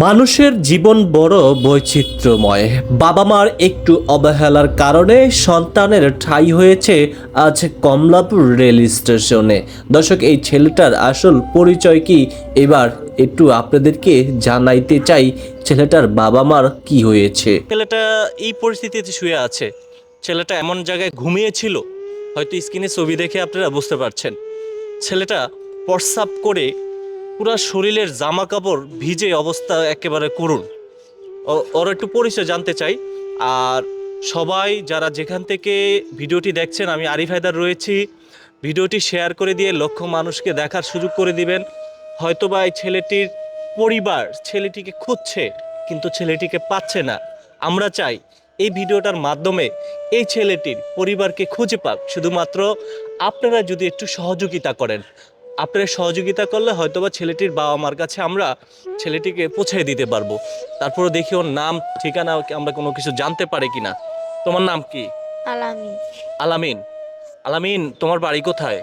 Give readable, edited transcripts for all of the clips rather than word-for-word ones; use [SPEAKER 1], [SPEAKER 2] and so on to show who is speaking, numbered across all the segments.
[SPEAKER 1] মানুষের জীবন বড় বৈচিত্র্যময়। বাবা মার একটু অবহেলার কারণে সন্তানের ঠাঁই হয়েছে আজ কমলাপুর রেল স্টেশনে। দর্শক, এই ছেলেটার আসল পরিচয় কি এবার একটু আপনাদেরকে জানাইতে চাই। ছেলেটার বাবা মার কি হয়েছে। ছেলেটা এই পরিস্থিতিতে শুয়ে আছে। ছেলেটা এমন জায়গায় ঘুমিয়েছিল, হয়তো স্ক্রিনে ছবি দেখে আপনারা বুঝতে পারছেন। ছেলেটা প্রস্রাব করে পুরা শরীরের জামা কাপড় ভিজে অবস্থা একেবারে করুণ। ওর একটু পরিচয় জানতে চাই। আর সবাই যারা যেখান থেকে ভিডিওটি দেখছেন, আমি আরিফ হায়দার রয়েছি। ভিডিওটি শেয়ার করে দিয়ে লক্ষ মানুষকে দেখার সুযোগ করে দিবেন। হয়তোবা এই ছেলেটির পরিবার ছেলেটিকে খুঁজছে, কিন্তু ছেলেটিকে পাচ্ছে না। আমরা চাই এই ভিডিওটার মাধ্যমে এই ছেলেটির পরিবারকে খুঁজে পাক। শুধুমাত্র আপনারা যদি একটু সহযোগিতা করেন, আপনারা সহযোগিতা করলে হয়তোবা ছেলেটির বাবা মার কাছে আমরা ছেলেটিকে পৌঁছে দিতে পারবো। তারপরে দেখি ওর নাম ঠিকানা আমরা কোনো কিছু জানতে পারি কিনা। তোমার নাম কি?
[SPEAKER 2] আলামিন।
[SPEAKER 1] আলামিন। আলামিন, তোমার বাড়ি কোথায়?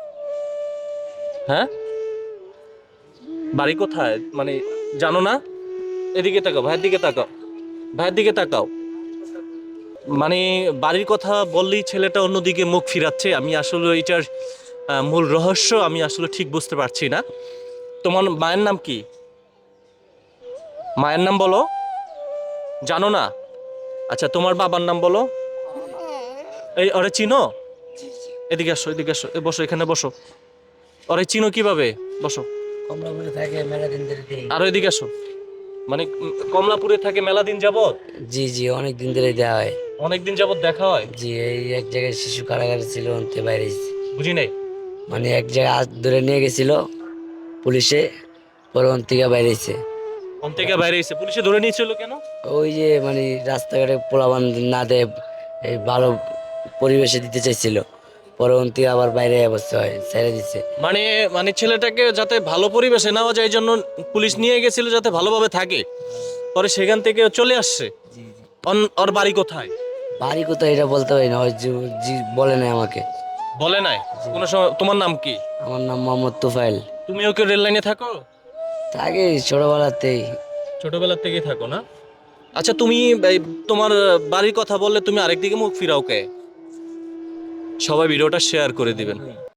[SPEAKER 1] হ্যাঁ, বাড়ি কোথায় মানে জানো না? এদিকে তাকাও, ভাইয়ের দিকে তাকাও, ভাইয়ের দিকে তাকাও। মানে বাড়ির কথা বললেই ছেলেটা অন্যদিকে মুখ ফিরাচ্ছে। আমি আসলে এটার মূল রহস্য আমি আসলে ঠিক বুঝতে পারছি না। তোমার মায়ের নাম কি? মায়ের নাম বলো। জানো না? আচ্ছা, তোমার বাবার নাম বলো। এই ওরে চিনো? এদিকে আসো, এদিকে আসো, বসো, এখানে বসো। ওরে চিনো কিভাবে? বসো।
[SPEAKER 3] কমলাপুরে থাকে মেলা দিন ধরে দেই।
[SPEAKER 1] আরো এদিকে আসো। মানে কমলাপুরে থাকে মেলা দিন যাবত?
[SPEAKER 3] জি জি, অনেক দিন ধরে দেওয়া হয়।
[SPEAKER 1] অনেক দিন যাবত দেখা হয়?
[SPEAKER 3] জি, এই এক জায়গায় শিশু কারাগারে ছিল, অন্তে বাইরে এসেছে।
[SPEAKER 1] বুঝি নাই।
[SPEAKER 3] মানে এক জায়গায় হাত ধরে নিয়ে গেছিল পুলিশে, পরে অন থেকে বাইরে এসেছে।
[SPEAKER 1] কোন থেকে বাইরে এসে পুলিশে ধরে নিয়েছিল কেন?
[SPEAKER 3] ওই যে মানে রাস্তাঘাটে পোলাবান না দেয়, এই ভালো পরিবেশে দিতে চাইছিল, পরে অন থেকে আবার বাইরে অবস্থা হয়, ছেড়ে দিচ্ছে।
[SPEAKER 1] মানে মানে ছেলেটাকে যাতে ভালো পরিবেশে নেওয়া যায় এই জন্য পুলিশ নিয়ে গেছিল যাতে ভালোভাবে থাকে। পরে সেখান থেকে ও চলে আসছে।
[SPEAKER 3] জি জি।
[SPEAKER 1] ওর বাড়ি কোথায়?
[SPEAKER 3] বাড়ি কোথায় এটা বলতে পারি না, ওই জি বলে নাই আমাকে।
[SPEAKER 1] বলে নাই কোনো সময়। তোমার নাম কি?
[SPEAKER 3] আমার নাম মোহাম্মদ তুফাইল।
[SPEAKER 1] তুমি ওকে রেল লাইনে থাকো?
[SPEAKER 3] আগে ছোটবেলাতেই।
[SPEAKER 1] ছোটবেলা থেকেই থাকো না? আচ্ছা, তুমি এই তোমার বাড়ির কথা বললে তুমি আরেকদিকে মুখ ফিরাও কে? সবাই ভিডিওটা শেয়ার করে দিবেন।